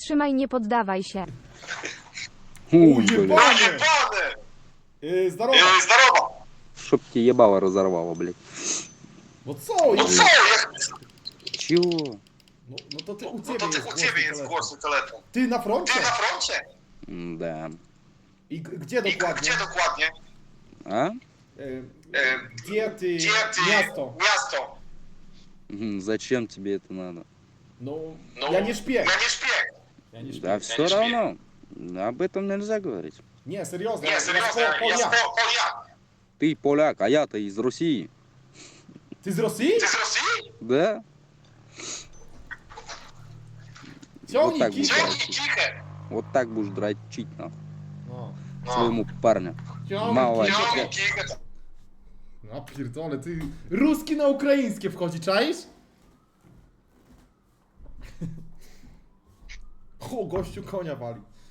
Wytrzymaj, nie poddawaj się. Ебаный! Здорово! Здорово! Чтоб тебе ебало разорвало, блядь. Вот со, Ну що, як... Чего? Ну то ты, у Ну тебя то есть у тебе є телефон. горстий телефон. Ты на Ти фронте? на фронті? Да. И где І докладно? де докладні? А? Где ты? Де ти? Место? Місто. Зачем тебе это надо? Ну, Ну, я не шпек. Я не шпек. Я не шпек. Да все равно. Об этом нельзя говорить. Не, серьезно. Ні, я серйозно, я поляк. поляк. Ты поляк, а я-то из России. Ты из России? Ти з Росії? Да? Темный так кит. вот. Тьомки, тихо. Вот так будешь дрочить нахуй Ну, своему парню. Мало. Темный кит. Тьомки, тихо. No pierdolę, ty ruski na ukraińskie wchodzi, czaisz? O, gościu konia wali.